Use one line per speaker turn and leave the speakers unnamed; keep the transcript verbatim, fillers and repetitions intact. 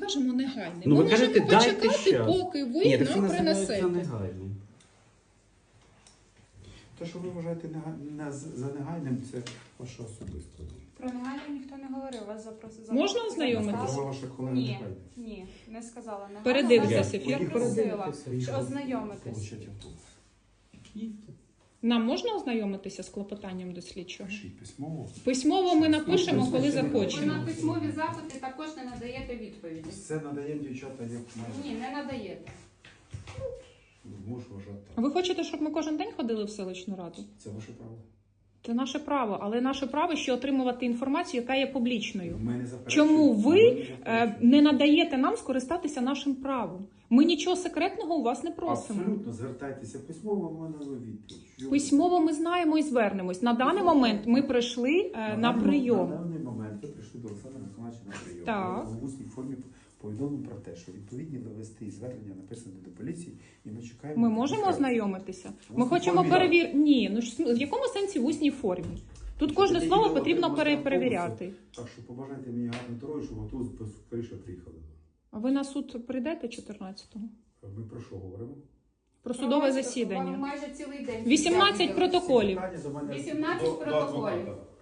запроваджуємо негайний.
Ну,
ми
ви
можемо
кажете, дайте
почекати,
щас.
поки ви
Ні, так це
нам
називається
принесете.
негайним.
Те, що ви вважаєте нега- не з- за негайним, це ваша особиста.
Про негайно ніхто не говорив, вас запросили.
Можна ознайомитися?
Сказала ваша колега
Ні,
негайно.
ні, не сказала негайно.
Передився
Вас-
ефір.
Я просила,
Передивитися.
що ознайомитись.
Получать автобус.
Нам можна ознайомитися з клопотанням до слідчого?
Пишіть письмово.
Письмово ми напишемо, коли
Ви
захочемо.
на письмові запити також не надаєте відповіді.
Все надаємо дівчата, як майже.
Ні, не надаєте.
Можу вважати так.
Ви хочете, щоб ми кожен день ходили в селищну раду?
Це ваше право.
Це наше право, але наше право ще отримувати інформацію, яка є публічною.
Ми не заперечуємо.
Чому ви
Ми не
е,
заперечуємо.
не надаєте нам скористатися нашим правом? Ми нічого секретного у вас не просимо.
Абсолютно, звертайтеся письмово, ми надамо відповідь.
Письмово ми знаємо і звернемось. На даний момент ми прийшли е, на
даний-
прийом.
На даний момент ви прийшли до Олександра Миколаївича на прийом.
Так.
В усній формі повідомлено про те, що відповідні листи звернення написані до поліції, і ми чекаємо.
Ми можемо
відповідь.
ознайомитися.
В
Ми
усній
хочемо
формі,
перевірити. Ні, ну ж в якому сенсі в усній формі? Тут кожне
Тоді
слово
відомо,
потрібно
можна
пере-
автобуси.
перевіряти.
Так що побажайте мені гарної дороги, щоб автобус скоріше приїхали.
А ви на суд прийдете чотирнадцятого?
Ми про що говоримо?
Про судове
Вам
засідання.
майже цілий день.
вісімнадцять протоколів.
Питання до мене
вісімнадцять
до- до
протоколів.
адвоката.